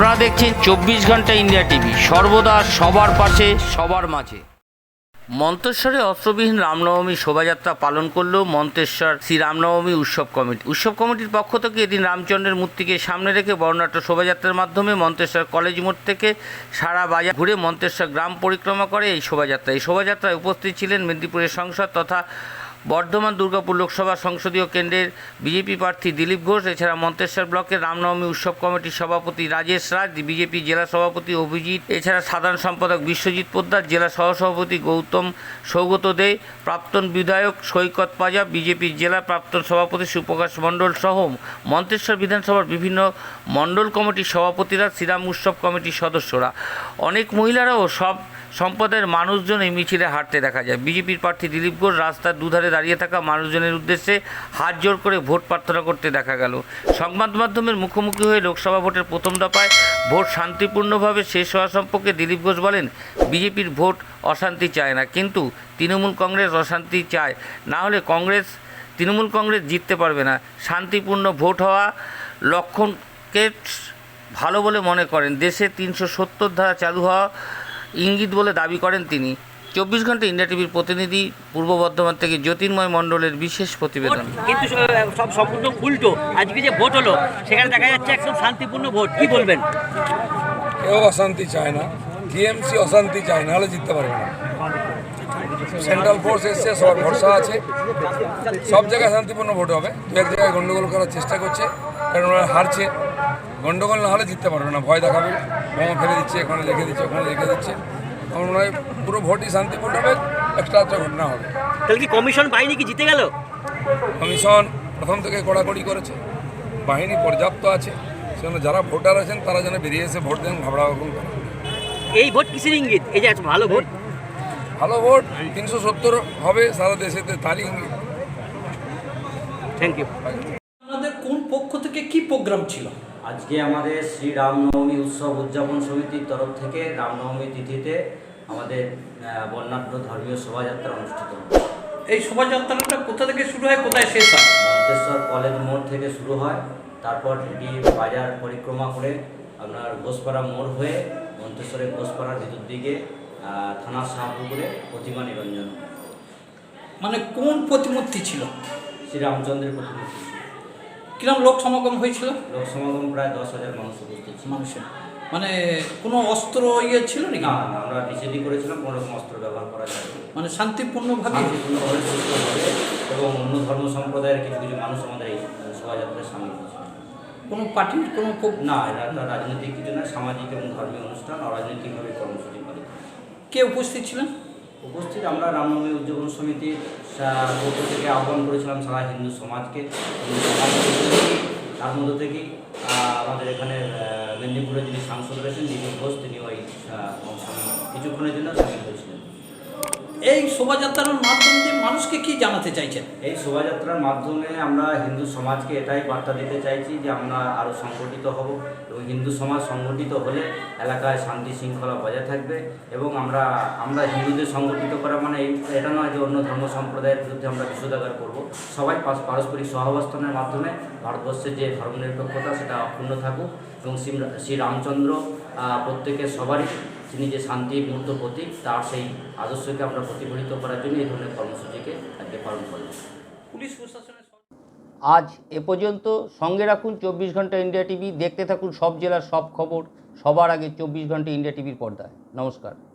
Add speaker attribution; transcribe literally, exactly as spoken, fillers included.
Speaker 1: আপনারা দেখছেন চব্বিশ ঘন্টা ইন্ডিয়া টিভি, সর্বদা সবার পাশে সবার মাঝে। মন্তেশ্বরে অস্ত্রবিহীন রামনবমী শোভাযাত্রা পালন করল মন্তেশ্বর শ্রী রামনবমী উৎসব কমিটি। উৎসব কমিটির পক্ষ থেকে এদিন রামচন্দ্রের মূর্তিকে সামনে রেখে বর্ণাঢ্য শোভাযাত্রার মাধ্যমে মন্তেশ্বর কলেজ মোড় থেকে সারা বাজার ঘুরে মন্তেশ্বর গ্রাম পরিক্রমা করে এই শোভাযাত্রা। এই শোভাযাত্রায় উপস্থিত ছিলেন মেদিনীপুরের সাংসদ তথা বর্ধমান দুর্গাপুর লোকসভা সংসদীয় কেন্দ্রের বিজেপি প্রার্থী দিলীপ ঘোষ, এছাড়া মন্তেশ্বর ব্লকের রামনবমী উৎসব কমিটির সভাপতি রাজেশ রাজ, বিজেপি জেলা সভাপতি অভিজিৎ, এছাড়া সাধারণ সম্পাদক বিশ্বজিৎ পোদ্দার, জেলা সহসভাপতি গৌতম সৌগত দে, প্রাক্তন বিধায়ক সৈকত পাজা, বিজেপির জেলা প্রাক্তন সভাপতি সুপ্রকাশ মণ্ডল সহ মন্তেশ্বর বিধানসভার বিভিন্ন মণ্ডল কমিটির সভাপতিরা, শ্রীরাম উৎসব কমিটির সদস্যরা, অনেক মহিলারাও সব সম্প্রদায়ের মানুষজন এই মিছিলে হাঁটতে দেখা যায়। বিজেপির প্রার্থী দিলীপ ঘোষ রাস্তার দুধারে দাঁড়িয়ে থাকা মানুষজনের উদ্দেশ্যে হাত জোর করে ভোট প্রার্থনা করতে দেখা গেল। সংবাদ মাধ্যমের মুখোমুখি হয়ে লোকসভা ভোটের প্রথম দফায় ভোট শান্তিপূর্ণভাবে শেষ হওয়া সম্পর্কে দিলীপ ঘোষ বলেন, বিজেপির ভোট অশান্তি চায় না, কিন্তু তৃণমূল কংগ্রেস অশান্তি চায়, না হলে কংগ্রেস তৃণমূল কংগ্রেস জিততে পারবে না। শান্তিপূর্ণ ভোট হওয়া লক্ষণকে ভালো বলে মনে করেন। দেশে তিনশো সত্তর ধারা চালু হওয়া ইঙ্গিত বলে দাবি করেন তিনি। চব্বিশ ঘন্টা ইন্ডিয়া টিভির প্রতিনিধি পূর্ব বর্ধমান থেকে জ্যোতির্ময় মণ্ডলের বিশেষ প্রতিবেদন।
Speaker 2: কিন্তু সব সম্পূর্ণ উল্টো। আজকে যে ভোট হলো সেখানে দেখা যাচ্ছে একদম শান্তিপূর্ণ ভোট, কি বলবেন?
Speaker 3: কেউ অশান্তি চায় না, টিএমসি অশান্তি চায় না, হলে জিততে পারবে না। সেন্ট্রাল ফোর্স এসছে, সবার ভরসা আছে, সব জায়গায় শান্তিপূর্ণ ভোট হবে। দু এক জায়গায় গন্ডগোল করার চেষ্টা করছে, কারণ ওরা হারছে। গন্ডগোল না হলে জিততে পারবে না, ভয় দেখাবে, বোমা ফেলে দিচ্ছে, এখানে রেখে দিচ্ছে, ওখানে রেখে দিচ্ছে। আমার মনে হয় পুরো ভোটই শান্তিপূর্ণ হবে, একটা একটা ঘটনা হবে।
Speaker 2: তাহলে কি কমিশন বাহিনী কি জিতে গেল?
Speaker 3: কমিশন প্রথম থেকে কড়াকড়ি করেছে, বাহিনী পর্যাপ্ত আছে, সেজন্য যারা ভোটার আছেন তারা যেন বেরিয়ে এসে ভোট দেন, ঘাবড়া রকম করে।
Speaker 2: এই ভোট কিসের ইঙ্গিত? এই যে ভালো ভোট,
Speaker 3: ভালো ভোট তিনশো সত্তর হবে সারা দেশেতে, তারই ইঙ্গিত।
Speaker 2: Thank you.
Speaker 4: আপনাদের কোন পক্ষ থেকে কি প্রোগ্রাম ছিল?
Speaker 5: আজকে আমাদের শ্রী রামনবমী উৎসব উদযাপন সমিতির তরফ থেকে রামনবমী তিথিতে আমাদের বর্ণাঢ্য ধর্মীয় শোভাযাত্রা অনুষ্ঠিত হয়।
Speaker 4: এই শোভাযাত্রাটা কোথা থেকে শুরু হয়, কোথায় শেষ হয়?
Speaker 5: মন্তেশ্বর কলেজ মোড় থেকে শুরু হয়, তারপর এটি বাজার পরিক্রমা করে আপনার ঘোষপাড়া মোড় হয়ে মন্তেশ্বরের ঘোষপাড়ার ভিতর দিকে থানার শাহপুকুরে প্রতিমা নিরঞ্জন।
Speaker 4: মানে কোন প্রতিমূর্তি ছিল?
Speaker 5: শ্রীরামচন্দ্রের প্রতিমূর্তি।
Speaker 4: কিরম লোক সমাগম হয়েছিল?
Speaker 5: লোক সমাগম প্রায় দশ হাজার মানুষ উপস্থিত ছিল।
Speaker 4: মানুষের মানে কোনো অস্ত্র ইয়ে ছিল নাকি?
Speaker 5: না না, আমরা নিষেধই করেছিলাম, কোনো রকম অস্ত্র ব্যবহার করা যায় না।
Speaker 4: মানে শান্তিপূর্ণভাবে
Speaker 5: শান্তিপূর্ণভাবে সুস্থভাবে, এবং অন্য ধর্ম সম্প্রদায়ের কিছু কিছু মানুষ আমাদের এই শোভাযাত্রায় সামিল হয়েছে।
Speaker 4: কোনো পার্টির কোনো
Speaker 5: না, এটা একটা রাজনৈতিক কিছু না, সামাজিক এবং ধর্মীয় অনুষ্ঠান, অরাজনৈতিকভাবে কর্মসূচি পালিত।
Speaker 4: কে উপস্থিত ছিলেন?
Speaker 5: উপস্থিত আমরা রামনবমী উদযাপন সমিতির পক্ষ থেকে আহ্বান করেছিলাম সারা হিন্দু সমাজকে। তার মধ্য থেকেই আমাদের এখানে মেদিনীপুরে যিনি সাংসদ রয়েছেন দিলীপ ঘোষ, তিনি ওই কিছুক্ষণের জন্য সামিল হয়েছিলেন।
Speaker 4: এই শোভাযাত্রার মাধ্যমে মানুষকে কি জানাতে চাইছেন?
Speaker 5: এই শোভাযাত্রার মাধ্যমে আমরা হিন্দু সমাজকে এটাই বার্তা দিতে চাইছি যে আমরা আরও সংগঠিত হব, এবং হিন্দু সমাজ সংগঠিত হলে এলাকায় শান্তি শৃঙ্খলা বজায় থাকবে। এবং আমরা আমরা হিন্দুদের সংগঠিত করা মানে এটা নয় যে অন্য ধর্ম সম্প্রদায়ের বিরুদ্ধে আমরা বিষোদাগার করব। সবাই পারস্পরিক সহাবস্থানের মাধ্যমে ভারতবর্ষের যে ধর্মনিরপেক্ষতা সেটা অক্ষুণ্ণ থাকুক, এবং শ্রী রামচন্দ্র প্রত্যেকের সবারই তিনি যে শান্তির মূর্ত প্রতীক, তার সেই আদর্শকে আমরা প্রতিফলিত করার জন্য এই ধরনের কর্মসূচিকে আজকে পালন করব।
Speaker 4: পুলিশ প্রশাসনের
Speaker 1: আজ এ পর্যন্ত। সঙ্গে রাখুন চব্বিশ ঘন্টা ইন্ডিয়া টিভি, দেখতে থাকুন সব জেলার সব খবর সবার আগে চব্বিশ ঘন্টা ইন্ডিয়া টিভির পর্দায়। নমস্কার।